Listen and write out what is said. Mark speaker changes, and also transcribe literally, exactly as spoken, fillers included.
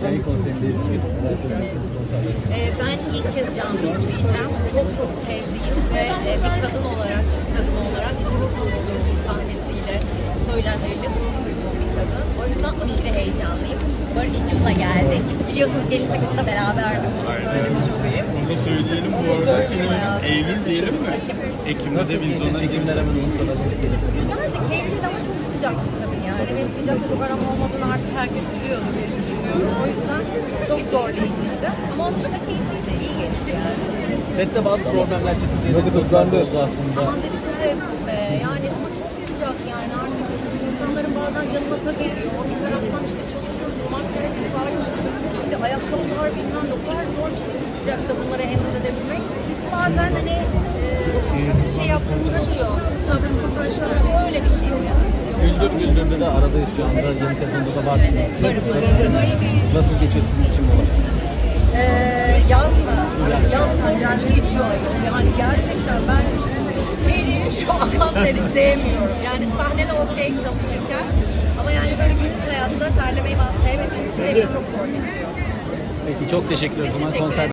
Speaker 1: Hikaye konserindeyiz.
Speaker 2: Ee, ben ilk kez canlı izleyeceğim. Çok çok sevdiğim ve e, bir kadın olarak, Türk kadın olarak gurur duyduğum sahnesiyle, söylemleriyle gurur duyduğum bir kadın. O yüzden aşırı heyecanlıyım. Barış'cığımla geldik. Biliyorsunuz gelin takımında beraberdim, onu söylemiş olayım.
Speaker 3: Onu da söyleyelim bu
Speaker 2: Onu
Speaker 3: arada.
Speaker 2: söyleyeyim
Speaker 3: Filmimiz
Speaker 2: hayatım.
Speaker 3: Eylül diyelim mi?
Speaker 2: Ekim.
Speaker 3: Ekim'de de vizyona
Speaker 1: Çekimler hemen unutmadan.
Speaker 2: Güzeldi, keyifli ama çok sıcaktı tabii yani. Benim sıcakta çok aram olmadığını artık herkes biliyordu diye düşünüyorum. O yüzden çok zorlayıcıydı. Ama onun dışında keyifliydi, iyi geçti yani.
Speaker 1: Sette bazı problemler çıktı diye.
Speaker 4: Hadi kızlandı.
Speaker 1: oldu aslında.
Speaker 2: Aman dedikleri hepsi be. Yani ama çok sıcak yani artık insanların bazen canına tak ediyor. Bir taraftan işte çalışıyoruz, makyaj, saç, işte ayakkabılar bilmem ne. O kadar zor bir şey bu sıcakta bunları handle edebilmek. Bazen hani e, şey yaptığımızda diyor, sabrımızın taşları diyor, öyle bir şey o yani.
Speaker 1: Güldür Güldür'de de aradayız şu anda. Yeni sezonda da varsınız.
Speaker 2: Evet, varım, varım, varım.
Speaker 1: Nasıl geçiyor sizin için bu olay?
Speaker 2: Ee, yaz mı? Yaz korkunç geçiyor ayol. Yani gerçekten ben şu teri, şu akan teri sevmiyorum. Yani sahnede okey çalışırken ama yani böyle günlük hayatta terlemeyi ben sevmediğim için benim için çok zor geçiyor.
Speaker 1: Peki çok teşekkür ederim. O zaman
Speaker 2: Teşekkür
Speaker 1: konser